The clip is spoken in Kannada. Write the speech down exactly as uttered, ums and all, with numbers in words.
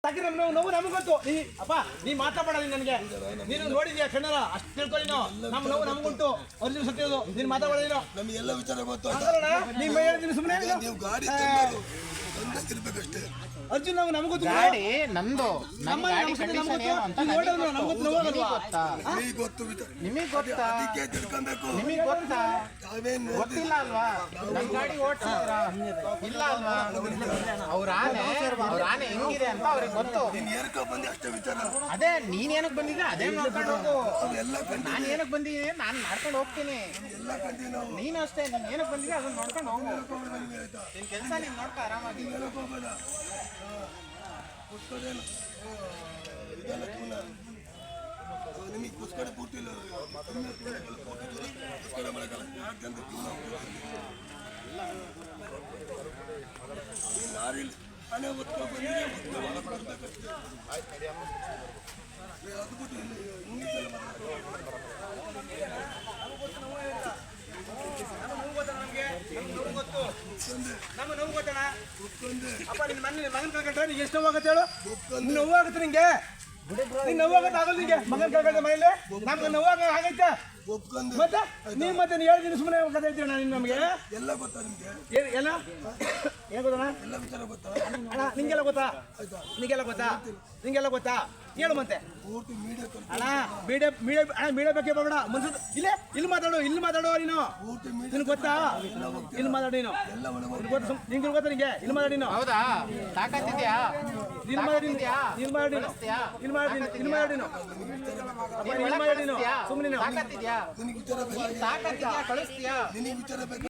ನಾವು ನಾವು ನಮಗೆ ಗೊತ್ತು ನೀ ಅಪ್ಪ ನೀ ಮಾತಾಡಬೇಡ ನೀನು ನನಗೆ ನೀನು ನೋಡಿದ್ಯಾ ಕಣ್ಣರ ಅಷ್ಟು ತಿಳ್ಕೊಳ್ಳಿ ನಾವು ನಮ್ಮ ನೋವು ನಮಗುಂಟು ಅರ್ಜುನ್ ಸತ್ಯದು ನೀನು ಮಾತಾಡಬೇಡ ನೀನು ನಮಗೆಲ್ಲ ವಿಚಾರ ಗೊತ್ತು ನಿಮ್ಮ ಹೇಳ್ತೀನಿ ಸುಮ್ಮನೆ ನೀವು ಗಾಡಿ ತಂದಿರ್ಬೇಕಷ್ಟೇ ಅರ್ಜುನ್ ನಾವು ನಮಗೂ ಗಾಡಿ ನಂದು ನಮ್ಮ ಗಾಡಿ ಕಂಡೀಷನ್ ಏನು ಅಂತ ನಮಗೂ ಗೊತ್ತಾ ನಿಮಗೆ ಗೊತ್ತು ನಿಮಗೆ ಗೊತ್ತಾ ಅದಕ್ಕೆ ತಿಳ್ಕೊಬೇಕು ನಿಮಗೆ ಗೊತ್ತಾ ತಾವೇನು ಗೊತ್ತಿಲ್ಲ ಅಲ್ವಾ ನನ್ನ ಗಾಡಿ ಓಡಿಸಿದ್ರ ಇಲ್ಲ ಅಲ್ವಾ ಅವ್ರ ಆನೆ ಅವ್ರ ಆನೆ ಹೆಂಗಿದೆ ಅಂತ ಅವ್ರಿಗೆ ಗೊತ್ತು ನೀನು ಏರ್ಕೊ ಬಂದು ಅಷ್ಟೇ ವಿಚಾರ ಅದೇ ನೀನ್ ಏನಕ್ಕೆ ಬಂದಿದ್ದೆ ಅದೇ ನೋಡ್ಕೊಂಡು ಹೋಗು ಅವೆಲ್ಲ ಕಂಡು ನಾನು ಏನಕ್ಕೆ ಬಂದಿದ್ದೀನಿ ನಾನು ಮಾಡ್ಕೊಂಡು ಹೋಗ್ತೀನಿ ಎಲ್ಲ ಕಂಡು ನಾವು ನೀನು ಅಷ್ಟೇ ನೀನು ಏನಕ್ಕೆ ಬಂದಿದ್ದೆ ಅದನ್ನ ನೋಡ್ಕೊಂಡು ಹೋಗು ನಿನ್ ಕೆಲಸ ನೀನು ನೋಡ್ಕೊ ಆರಾಮಾಗಿ ಹೇಳಕ್ ಹೋಗ್ಬೇಡ ಪುಸ್ತಕದೇನು ಇದೆಲ್ಲ ಕೂನ ನಿಮಗೆ ಪುಸ್ತಕ ಪೂರ್ತಿ ಇಲ್ಲ ಪುಸ್ತಕ ಮಾಡಕ್ಕಲ್ಲ ಯಾಕಂತ ಕೂನ ನೀನು ಯಾರಿಲ್ಲ ಮನೆ ಒತ್ಕೊ ಬಂದಿದೆ ಒತ್ಕೊ ಬರ್ಬೇಕಷ್ಟೇ ಅದು ಬಿಟ್ಟು ಇಂಗ್ಲೀಷಲ್ಲಿ ನಮ್ಮ ನೋವು ಗೊತ್ತಣ್ಣ ಅಪ್ಪ ನಿನ್ನ ಮನೆ ಮಗನ ಕಳ್ಕೊಂಡ್ರೆ ನಿಂಗೆ ಎಷ್ಟು ನೋವಾಗುತ್ತೆ ಹೇಳು ನಿನ್ನ ನೋವಾಗುತ್ತೆ ನಿಂಗೆ ನಿನ್ನ ನೋವಾಗತ್ತೆ ಆಗಲ್ಲ ನಿಂಗೆ ಮಗನ ಕಳ್ಕೊಂಡ್ರೆ ಮನೇಲಿ ನಮ್ಗೆ ನೋವಾಗ ಆಗೈತೆ ಒಪ್ಕೊಂಡು ಮತ್ತೆ ನೀನು ಮತ್ತೆ ನೀನು ಹೇಳ್ತೀನಿ ಸುಮ್ಮನೆ ಕಥೆ ಹೇಳ್ತೀವಿ ಅಣ್ಣ ನೀನು ನಮಗೆ ಎಲ್ಲ ಗೊತ್ತಾ ನಿಮಗೆ ಏನು ಎಲ್ಲ ಏನು ಗೊತ್ತಣ್ಣ ಎಲ್ಲ ವಿಚಾರ ಗೊತ್ತಾ ಅಣ್ಣ ನಿಂಗೆಲ್ಲ ಗೊತ್ತಾ ನಿಂಗೆಲ್ಲ ಗೊತ್ತಾ ನಿಂಗೆಲ್ಲ ಗೊತ್ತಾ ಹೇಳು ಮತ್ತೆ ಪೂರ್ತಿ ಮೀಡಿಯಾ ಅಣ್ಣ ಮೀಡಿಯಾ ಮೀಡಿಯಾ ಅಣ್ಣ ಮೀಡಿಯಾ ಬಗ್ಗೆ ಬೇಡ ಮನ್ಸು ಇಲ್ಲೇ ಇಲ್ಲಿ ಮಾತಾಡು ಇಲ್ಲಿ ಮಾತಾಡು ನೀನು ಪೂರ್ತಿ ಮೀಡಿಯಾ ನಿನ್ಗೆ ಗೊತ್ತಾ ಇಲ್ಲಿ ಮಾತಾಡು ನೀನು ಎಲ್ಲ ಒಳಗೆ ನಿನ್ಗೆ ಗೊತ್ತಾ ನಿಂಗೆ ಗೊತ್ತಾ ನಿಂಗೆ ಇಲ್ಲಿ ಮಾತಾಡಿ ನೀನು ಹೌದಾ ತಾಕತ್ತಿದ್ಯಾ ಇಲ್ಲಿ ಮಾತಾಡಿ ಇಲ್ಲಿ ಮಾತಾಡಿ ಇಲ್ಲಿ ಮಾತಾಡಿ ಇಲ್ಲಿ ಮಾತಾಡಿ ನೀನು ಇಲ್ಲಿ ಮಾತಾಡಿ ನೀನು ಸುಮ್ಮನೆ ತಾಕತ್ತಿದ್ಯಾ ನಿನಗೆ ವಿಚಾರ ಬೇಕು ತಾಕತ್ತಿದ್ಯಾ ಕಳಿಸ್ತೀಯಾ ನಿನಗೆ ವಿಚಾರ ಬೇಕು